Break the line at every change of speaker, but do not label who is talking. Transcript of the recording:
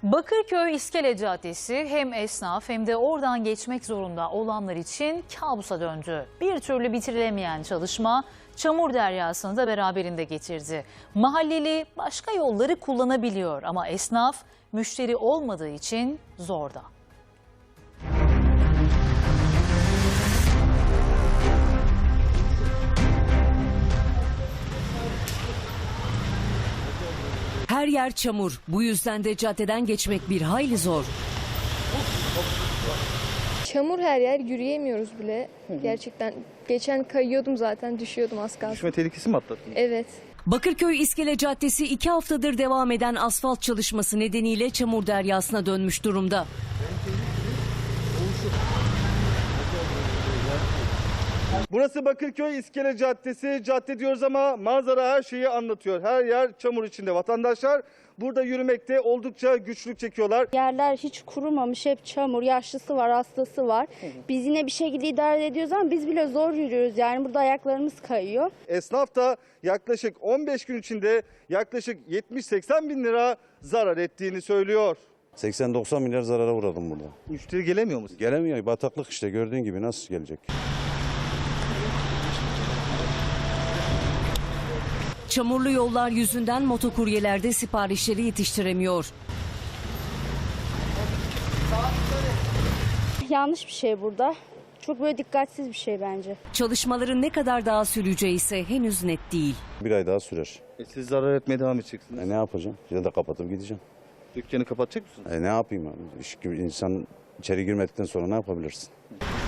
Bakırköy İskele Caddesi hem esnaf hem de oradan geçmek zorunda olanlar için kabusa döndü. Bir türlü bitirilemeyen çalışma çamur deryasını da beraberinde getirdi. Mahalleli başka yolları kullanabiliyor ama esnaf müşteri olmadığı için zorda.
Her yer çamur. Bu yüzden de caddeden geçmek bir hayli zor.
Çamur her yer, yürüyemiyoruz bile. Gerçekten geçen kayıyordum zaten, düşüyordum az kalsın.
Düşme tehlikesi mi atlattın?
Evet.
Bakırköy İskele Caddesi 2 haftadır devam eden asfalt çalışması nedeniyle çamur deryasına dönmüş durumda.
Burası Bakırköy İskele Caddesi. Cadde diyoruz ama manzara her şeyi anlatıyor. Her yer çamur içinde. Vatandaşlar burada yürümekte oldukça güçlük çekiyorlar.
Yerler hiç kurumamış, hep çamur, yaşlısı var, hastası var. Biz yine bir şekilde idare ediyoruz ama biz bile zor yürüyoruz. Yani burada ayaklarımız kayıyor.
Esnaf da yaklaşık 15 gün içinde yaklaşık 70-80 bin lira zarar ettiğini söylüyor.
80-90 milyar zarara uğradım burada.
Müşteri gelemiyor musun?
Gelemiyor. Bataklık işte, gördüğün gibi nasıl gelecek?
Çamurlu yollar yüzünden motokuryeler de siparişleri yetiştiremiyor.
Yanlış bir şey burada. Çok böyle dikkatsiz bir şey bence.
Çalışmaların ne kadar daha süreceği ise henüz net değil.
Bir ay daha sürer.
Siz zarar etmeye devam edeceksiniz.
Ne yapacağım? Ya da kapatıp gideceğim.
Dükkanı kapatacak mısınız?
Ne yapayım abi? İnsan içeri girmedikten sonra ne yapabilirsin?